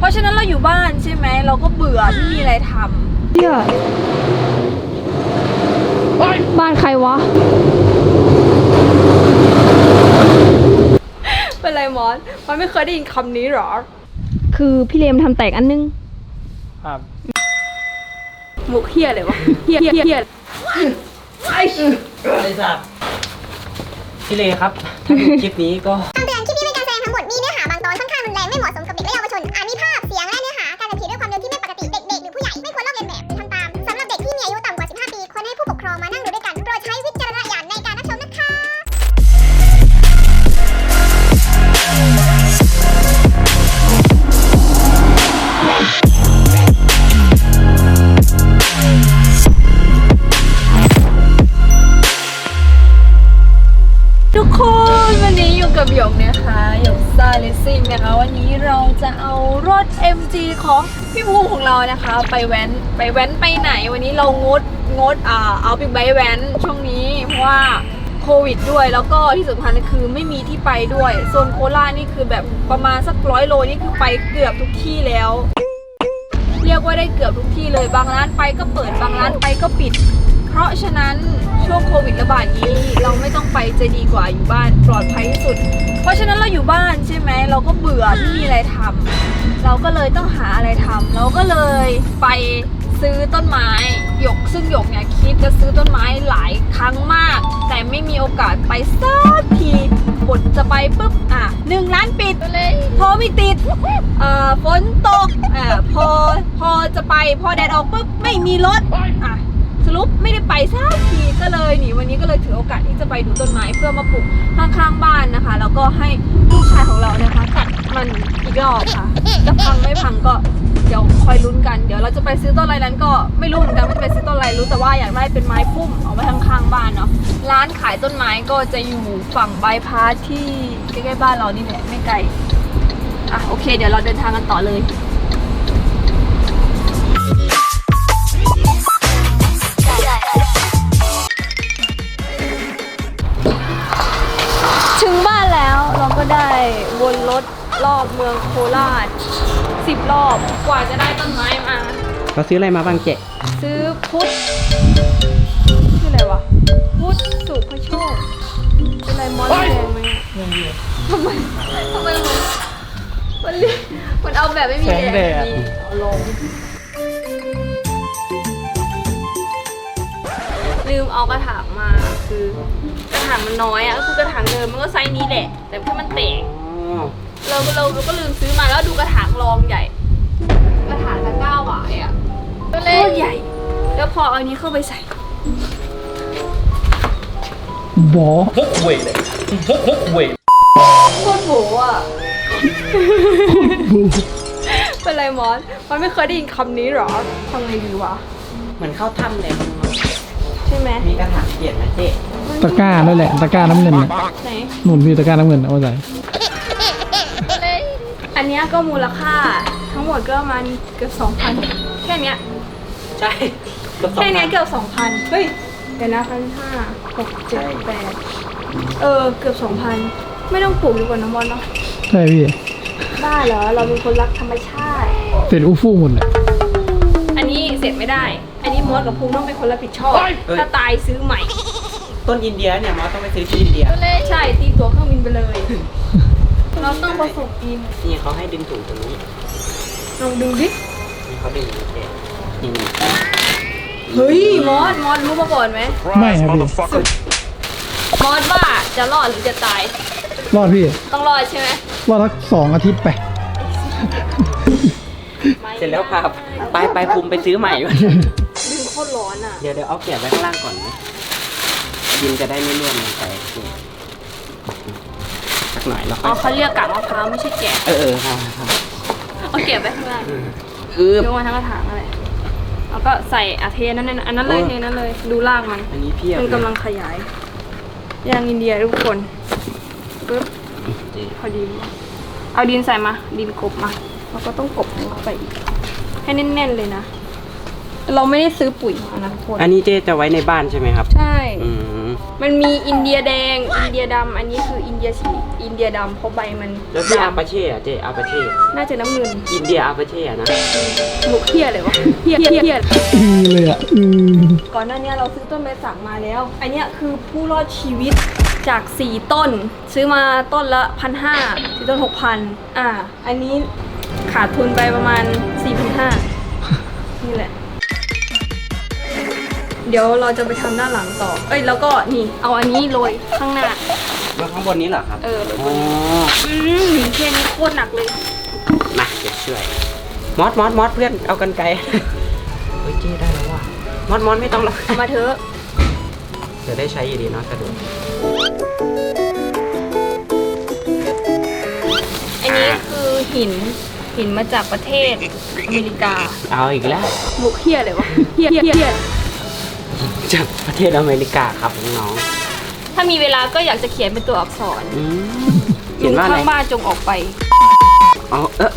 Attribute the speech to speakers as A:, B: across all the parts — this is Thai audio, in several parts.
A: ราะฉะนั้นเราอยู่บ้านใช่ไหมเราก็เบื่อไม่มีอะไรทำเหี้ยบ้านใครวะเป็นไรมอสมันไม่เคยได้ยินคำนี้หรอคือพี่เลมทำแตกอันนึงครับมุกเฮียเลยวะเฮีย
B: ไอ้สัตว์พี่เลครับถ้าดูคลิปนี้ก็
C: คำเตือนคลิปนี้เป็นการแสดงทั้งหมดมีเนื้อหาบางตอนค่อนข้างรุนแรงไม่เหมาะสมกับเด็กและเยาวชนอาจมีภาพเสียงและเนื้อหาการกระทำด้วยความเร็วที่ไม่ปกติเด็กๆหรือผู้ใหญ่ไม่ควรลอกเลียนแบบทำตามสำหรับเด็กที่มีอายุต่ำกว่า 15 ปีควรให้ผู้ปกครองมานั่งดูด้วยกันโดยใช้วิจารณญาณในการรับชมนะคะ
A: ทุกคนวันนี้อยู่กับหยกนะคะหยกซาเลสซิ่งนะคะวันนี้เราจะเอารถ MG ของพี่ภูมิของเรานะคะไปแว้นไปไหนวันนี้เรางดเอาบิ๊กไบค์แว้นช่วงนี้เพราะว่าโควิดด้วยแล้วก็ที่สำคัญคือไม่มีที่ไปด้วยโซนโคราชนี่คือแบบประมาณสัก100 โลนี่คือไปเกือบทุกที่แล้วเรียกว่าได้เกือบทุกที่เลยบางร้านไปก็เปิดบางร้านไปก็ปิดเพราะฉะนั้นช่วงโควิดระบาดนี้เราไม่ต้องไปจะดีกว่าอยู่บ้านปลอดภัยที่สุดเพราะฉะนั้นเราอยู่บ้านใช่ไหมเราก็เบื่อไม่มีอะไรทำเราก็เลยต้องหาอะไรทำเราก็เลยไปซื้อต้นไม้ซึ่งหยกเนี่ยคิดจะซื้อต้นไม้หลายครั้งมากแต่ไม่มีโอกาสไปสักทีบทจะไปปุ๊บ1 ร้านปิดโทรไม่ติดฝนตกพอจะไปพอแดดออกปุ๊บไม่มีรถสรุปไม่ได้ไปสักทีก็เลยวันนี้ก็เลยถือโอกาสที่จะไปดูต้นไม้เพื่อมาปลูกข้างๆบ้านนะคะแล้วก็ให้ลูกชายของเรานะคะตัดมันอีกรอบค่ะจะพังไม่พังก็เดี๋ยวคอยลุ้นกันเดี๋ยวเราจะไปซื้อต้นอะไรนั้นก็ไม่รู้เหมือนกันว่าจะไปซื้อต้นอะไรรู้แต่ว่าอยากได้เป็นไม้พุ่มเอาไว้ข้างๆบ้านเนาะร้านขายต้นไม้ก็จะอยู่ฝั่งบายพาสที่ใกล้ๆบ้านเรานี่แหละไม่ไกลโอเคเดี๋ยวเราเดินทางกันต่อเลยถึงบ้านแล้วเราก็ได้วนรถรอบเมืองโคราช10 รอบกว่าจะได้ต้นไม้มา
B: เราซื้ออะไรมาบ้างเจ๊
A: ซื้อพุทธชื่ออะไรวะพุทธสุภโชคเป็นอะไรมอสแดงไหมทำไมมันเอาแบบไม่มีแดงเอาลงลืมเอากระถางมาคือกระถางมันน้อยก็คือกระถางเดิมมันก็ไซส์นี้แหละแต่แค่มันแตกเราก็ลืมซื้อมาแล้วดูกระถางรองใหญ่กระถางละ9 บาทก็เล็กใหญ่แล้วพอเอานี้เข้าไปใส่
B: บอพกเวทเลยพกเวท
A: โคตรโหเป็นไรมอสมันไม่เคยได้ยินคำนี้หรอทำไงดีวะ
B: เหมือนเข้าถ้ำเลย
A: ใช่ไหม
B: มีกระถางเปลี่ยนนะเจ๊
D: ตะกร้านั่นแหละตะกร้าน้ำเงิน
A: ไหน
D: หนุนพี่ตะกร้าน้ำเงินเอาใจ
A: อันนี้ก็มูลค่าทั้งหมดก็ประมาณเกือบ 2,000 แค่เนี้ย
B: ใช่
A: แค่นี้เกือบ 2,000เฮ้ยเดี๋ยวนะ1,500 6 7 8เกือบ 2,000ไม่ต้องปลูกดีกว่าน้ำมอนเนาะ
D: ใช่พี่
A: บ้าเหรอเราเป็นคนรักธรรมชาติ
D: เสร็จอู้ฟู่หมดเลย
A: อันนี้เสร็จไม่ได้อันนี้มอสกับภูมิต้องเป็นคนรับผิดชอบถ้าตายซื้อใหม่
B: ต้นอินเดียเนี่ยมอสต้องไปซื้อที่อินเดีย
A: ใช่ตีตั๋วเครื่องบินไปเลยเราต้องผสมดิน
B: นี่เขาให้ดึงถุงตรงนี้
A: ลองดูดิ
B: นี่เขาดึงนี่
A: เฮ้ยมอสรู้มาก่อนไหม
D: ไม่ครับพี่
A: มอสว่าจะรอดหรือจะตาย
D: รอดพี่
A: ต้องรอดใช่ไหม
D: รอดสัก2 อาทิตย์ไป
B: เสร็จแล้วพาไปภูมิไปซื้อใหม่
A: ดึงโคตรร้อน
B: เดี๋ยวเอาเก็บไว้ข้างล่างก่อนนะดินจะได้ไม่ร่วงลงไปสักหน่อยแล้ว
A: เขาเรียกกากมะพร้าวไม่ใช่แกะ
B: ครับ
A: เอาเก็บไว้ข้างล่างยกมาทั้งกระถางอะไรแล้วก็ใส่เทนั้นเลยเทนั้นเลยดูรากมัน
B: อันนี้เพียบ
A: มันกำลังขยายยางอินเดียทุกคนปึ๊บพอดีเอาดินใส่มาดินกบมาเราก็ต้องกบเข้าไปอีกให้แน่นๆเลยนะเราไม่ได้ซื้อปุ๋ยนะทุกคน
B: อันนี้เจ๊จะไว้ในบ้านใช่ไหมครับ
A: ใช่มันมีอินเดียแดง อินเดียดำอันนี้คืออินเดียสีอินเดียดำเพราะใบมัน
B: แล้วพี่อาปาเช่อะเจอาปาเช่
A: น่าจะน้ำเงิน
B: อินเดียอาปาเช่อะนะ
A: หมุกเฮียเลยวะเฮีย
D: เลยอ่ะ
A: ก่อนหน้านี้เราซื้อต้นไม้สักมาแล้ว อันเนี้ยคือผู้รอดชีวิตจาก 4 ต้น ซื้อมาต้นละ 1,500ซื้อต้น 6,000อันนี้ขาดทุนไปประมาณ 4,500นี่แหละ เดี๋ยวเราจะไปทำด้านหลังต่อ แล้วก็นี่เอาอันนี้โรยข้างหน้า
B: แล้วข้างบนนี้เหรอครับ
A: โรย
B: อ๋อ
A: แค่นี้โคตรหนักเลย
B: มาเดี๋ยวช่วยมอสเพื่อนเอากันไกลเฮ้ยเจ๊ได้แล้วว่ะมอสไม่ต้องหรอก
A: เอามาเถอะ
B: เดี๋ยวได้ใช้อยู่ดีเนาะสะดวก
A: อันนี้คือหินมาจากประเทศอเมริกา
B: เอาอีกแล้ว
A: หมุกเฮียเลยวะเฮีย
B: จากประเทศอเมริกาครับน้อง
A: ถ้ามีเวลาก็อยากจะเขียนเป็นตัวอักษร
B: เขียนว่าอะไร
A: ข้างบ้านจงออกไป
B: อ๋อ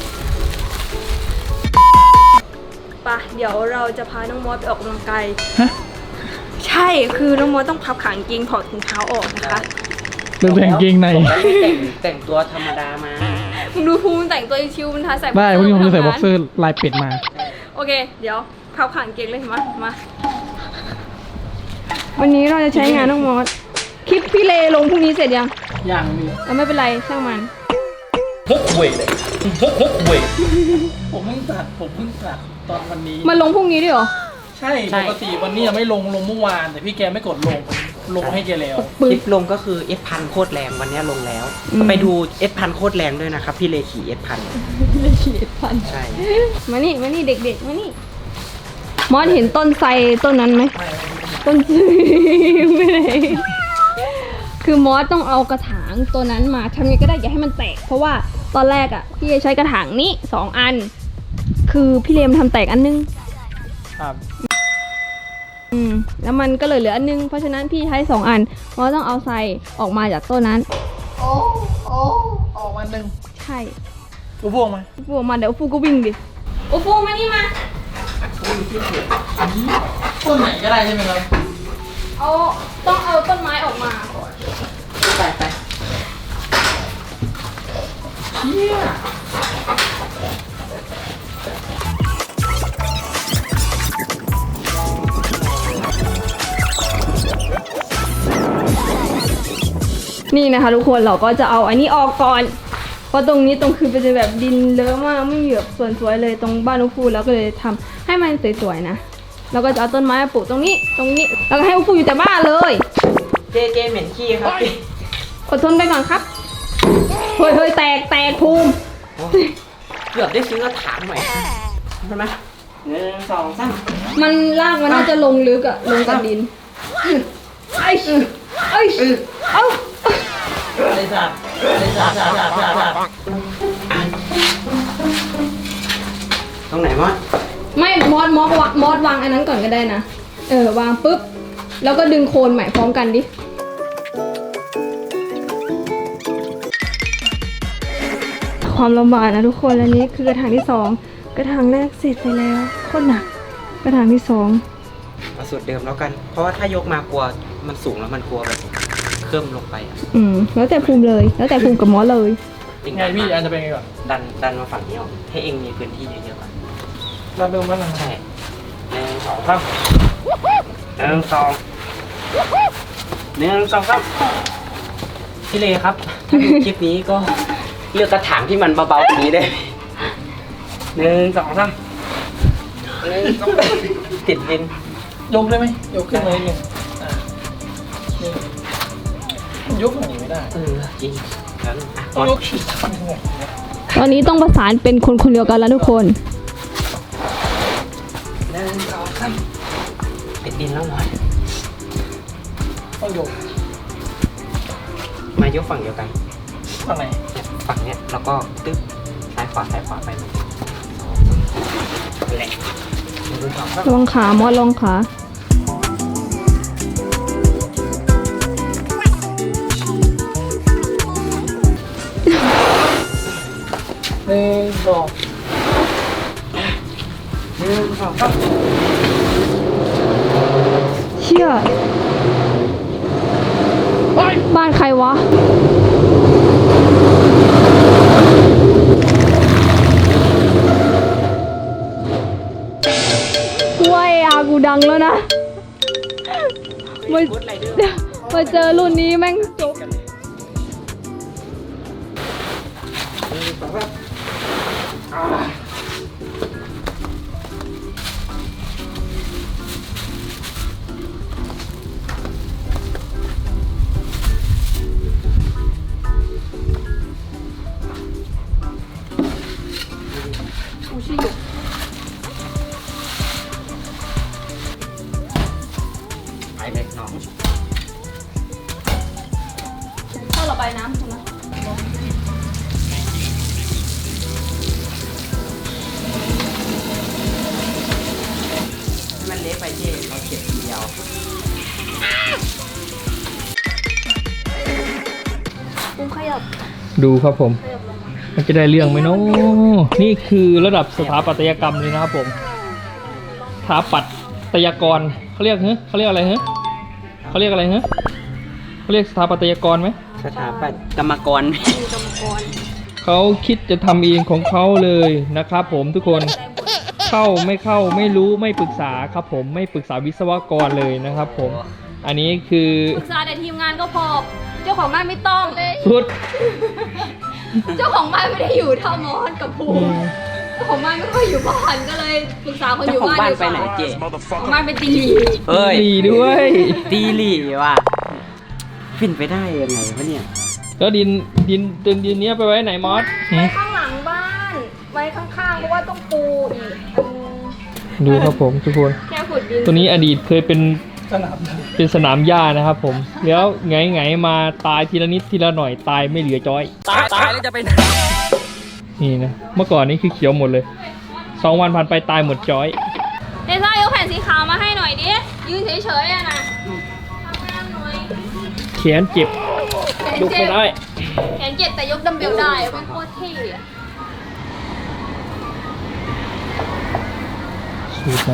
A: ปะเดี๋ยวเราจะพาน้องมอสไปออกกำลังกาย
D: ฮะ
A: ใช่ คือน้องมอสต้องพับขากางเกงถอดถุงเท้าออกนะคะ
D: เรื่องแต่งเกงใน
B: แต่งตัวธรรมดามา
A: มึงดูภูมิแต่งตัวชิวๆมันทาใส่
D: ได้วันนี้ผมจะใส่บ็อกเซอ
A: ร์
D: ร์ลายเป็ดมา
A: โอเค เดี๋ยวพับขากางเกงเลยมาวันนี้เราจะใช้งานน้องมอสคลิปพี่เลลงพรุ่งนี้เสร็จยัง
D: อย่างนี้
A: ไม่เป็นไรช่างมัน
E: ฮกเวยเลยฮกเวย
D: ผมเพิ่งตัดตอนวันนี้
A: มันลงพรุ่งนี้ด้วยเหรอ
D: ใช่ปกติวันนี้ยังไม่ลงเมื่อวาน แต่พี่แกไม่กดลงให้แกแล้ว
B: คลิปลงก็คือ F1000 โคตรแรงวันนี้ลงแล้ว ไปดู F1000 โคตรแรงด้วยนะครับ พี่เลขี่ F1000
A: ไม่ขีดพัน
B: ใช่
A: มานี่เด็กๆมานี่มอสเห็นต้นไทรต้นนั้นไหมต้นไม่ได้คือมอสต้องเอากระถางตัวนั้นมาทำยังไงก็ได้อย่าให้มันแตก เพราะว่าตอนแรกอ่ะพี่จะใช้กระถางนี้2 อัน คือพี่เลมทำแตกอันนึง
D: ครับ
A: แล้วมันก็เลยเหลืออันนึงเพราะฉะนั้นพี่ใช้2 อันมอสต้องเอาไทรออกมาจากต้นนั้น
D: ออกมาหนึ่ง
A: ใช่
D: กูพวงมา
A: ฟูออกมาเดี๋ยวฟูก็วิ่งดิโอ้ฟูมานี่มา
D: ต้นไหนก็ได้ใช่ไหมครับ
A: ต้องเอาต้นไม้ออกมาก่อน
B: ไป
D: เชี่ย
A: นี่นะคะทุกคนเราก็จะเอาอันนี้ออกก่อนเพราะตรงนี้คือเป็นแบบดินเลอะมากไม่มีแบบส่วนสวยเลยตรงบ้านอุฟูแล้วก็เลยทำให้มันสวยๆนะแล้วก็จะเอาต้นไม้มาปลูกตรงนี้แล้วก็ให้อุฟูอยู่แต่บ้านเลย
B: เจเหม็นขี้ครับ
A: อดทนไปก่อนครับเฮ้ยแตกภูมิ
B: เกือบได้ซื้อกระถางใหม่ใช่ไหม1 2 3
A: มันรากมันน่าจะลงลึกอะลงกับดินเอ้า
D: เลยสัตว์
B: ตรงไหนวะ
A: ไม่มอสวางอันนั้นก่อนก็ได้นะวางปุ๊บแล้วก็ดึงโคนใหม่พร้อมกันดิความลำบากนะทุกคนอันนี้คือกระถางที่2กระถางแรกเสร็จไปแล้วโคตรหนักกระถางที่2
B: เอาสูตรเดิมแล้วกัน เพราะว่าถ้ายกมากลัวมันสูงแล้วมันกลัวแบบเคลื่อนลงไปอ่ะ
A: แล้วแต่ภูมิเลยแล้วแต่ภูมิกับมอสเลย
B: จริง
D: ไงพี่อันจะเป็นไงก่อน
B: ดันมาฝั่งนี้ออกให้เองมีพื้นที่เยอะๆก่อน
D: เราเริ่มว่าอะไร
B: ใช่1 2 3 1 2 3พี่เลครับ ถ้าดูคลิปนี้ก็เลือกกระถางที่มันเบาๆแบบนี้ได้1 2 3 1 2ติดดิน
D: ยกได้ไหมยกขึ้นมานิดนึงนี่ยกอย่างนี้ไม่ได้
B: จริงงั้น
D: ต้องยกชิดทำยังไง
A: ตอนนี้ต้องประสานเป็นคนเดียวกันแล้วทุกคน
B: 1 2 3ติดดินแล้วหน่อย
D: ต้องยก
B: มายกฝั่งเดียวกัน
D: ฝั่งไหน
B: ฝั่งเนี้ยแล้วก็ตึ๊บซ้ายขวาไปนั่นแหละ1 2 3
A: ลองขามอสลองขา
D: 1 2
B: 1 2 3
A: เชี่ยบ้านใครวะว้ยอากูดังแล้วนะมาเจอรุ่นนี้แม่งจบ
B: ไปเลยน้อง
A: ถ้าเราไปน้ำใช่ไหม
B: มันเละไปที่เราเก็บทีเดียว
A: ปุ้งขยับ
D: ดูครับผม มันจะได้เรื่องไหมเนาะนี่คือระดับสถาปัตยกรรมเลยนะครับผมสถาปัตยกรเขาเรียกเขาเรียกอะไรเขาเรียกอะไรเขาเรียกสถาปัตยกรไหม
B: สถาปัตย์กรรมกร
D: เขาคิดจะทำเองของเขาเลยนะครับผมทุกคนเข้าไม่รู้ไม่ปรึกษาครับผมไม่ปรึกษาวิศวกรเลยนะครับผมอันนี้คือ
A: ปรึกษาแต่ทีมงานก็พอ เจ้าของบ้านไม่ต้อง
D: สุด
A: เจ้าของบ้านไม่ได้อยู่เท่ามอสกับภูมิเจ้าของบ้านไม่ค่อยอยู่บ้านก็เลยปรึกษาคนอ
B: เจ้า
A: ยู่
B: ของ
A: บ้าน
B: บ้าน
A: ดีก
B: ไป
A: ว่า
B: ไหนเจ๊
A: ของบ้านเป็นตีหลี
B: เฮ้ย
D: ดีด้วย
B: ตีหลี่ว่ะฟินไปได้ยังไงวะเนี่ย
D: แล้วดินเนี้ยไปไว้ไหนมอส
A: ไว้ข้างหลังบ้านไว้ข้างๆเพราะว่าต้องปูอีก
D: ดูครับผมทุกคน
A: แค่ขุดดิน
D: ตัวนี้อดีตเคยเป็นสนามหญ้านะครับผมแล้วไงมาตายทีละนิดทีละหน่อยตายไม่เหลือจ้อย
B: ตายแล้วจะเป็น
D: นี่นะเมื่อก่อนนี้คือเขียวหมดเลย2 วันผ่านไปตายหมดจ้อย
A: เดซ่ายกแผ่นสีขาวมาให้หน่อยดิยืนเฉยๆอะนะทำงานหน่อย
D: แขนเจ็บยกไม่ได้
A: แขนเจ็บแต่ยกดัมเบลได้เป็นโคตรเท่อะ
D: สูดนะ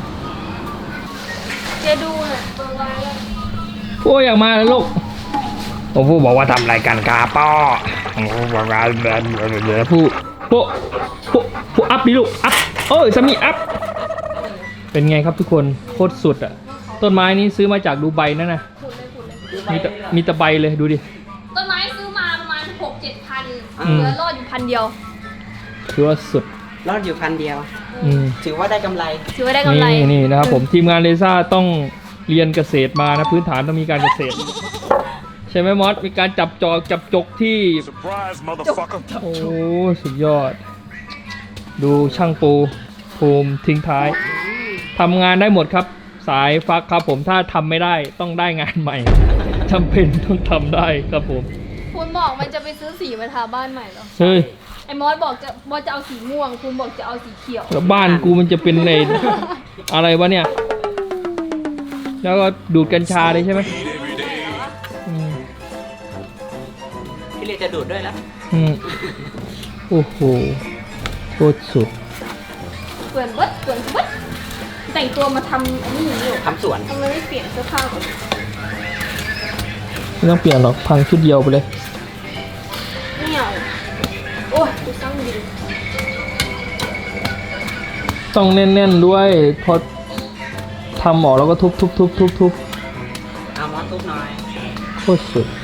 A: เจดูหน่อยเปิดไว้เลย
D: โอ้ยอยากมาแล้วลูกผมพูดบอกว่าทำรายการกาป้อบอกว่าผู้อัพดิลูกอัพสามีอัพเป็นไงครับทุกคนโคตรสุดอ่ะต้นไม้นี้ซื้อมาจากดูไบนั่นนะมีตะใบเลยดูดิ
A: ต้นไม้ซื้อมาประมาณ 6-7 พัน
D: อืม
A: เหลือรอดอยู่1,000 เดียว
D: คือว่าสุด
B: รอดอยู่1,000 เดียว
D: อืม
B: ถือว่าได้กำไร
A: ถือว่าได้กำไร
D: นี่นะครับผมทีมงานเลซ่าต้องเรียนเกษตรมานะพื้นฐานต้องมีการเกษตร ใช่ไหมมอสมีการจับจกที่
E: Surprise, motherfucker.
D: โอ้สุดยอด ดูช่างปูภูมิทิ้งท้ายทำงานได้หมดครับ สายฟักครับผมถ้าทำไม่ได้ต้องได้งานใหม่จำเป็นต้องทำได้ครับผม
A: คุณบอกมันจะไปซื้อสีมาทาบ้านใหม่เหรอ
D: เฮ้ย
A: ไอ้มอสบอกจะเอาสีม่วง คุณบอกจะเอาสีเขียว
D: แล้วบ้านกูมันจะเป็นในอะไรวะเนี่ย แล้วก็ดูดกัญชาเลยใช่ไหมอืม
B: พี่เลจะดูดด้วยแล้ว
D: อืมโอ้โหโคตรสุด
A: เปลี่ยนเบิดแต่งตัวมาทำอันนี้อยู่
B: ทำสวน
A: ทำไมไม่เปลี่ยนเสื้อผ้าก่อน
D: ไม่ต้องเปลี่ยนหรอกพังชุดเดียวไปเลย
A: ไม่เอาโอ้ยดูสร้างดิน
D: ต้องแน่นๆด้วยพอทำออกแล้วก็ทุบ
B: เอามอสทุบหน่อย
D: โคตรสุด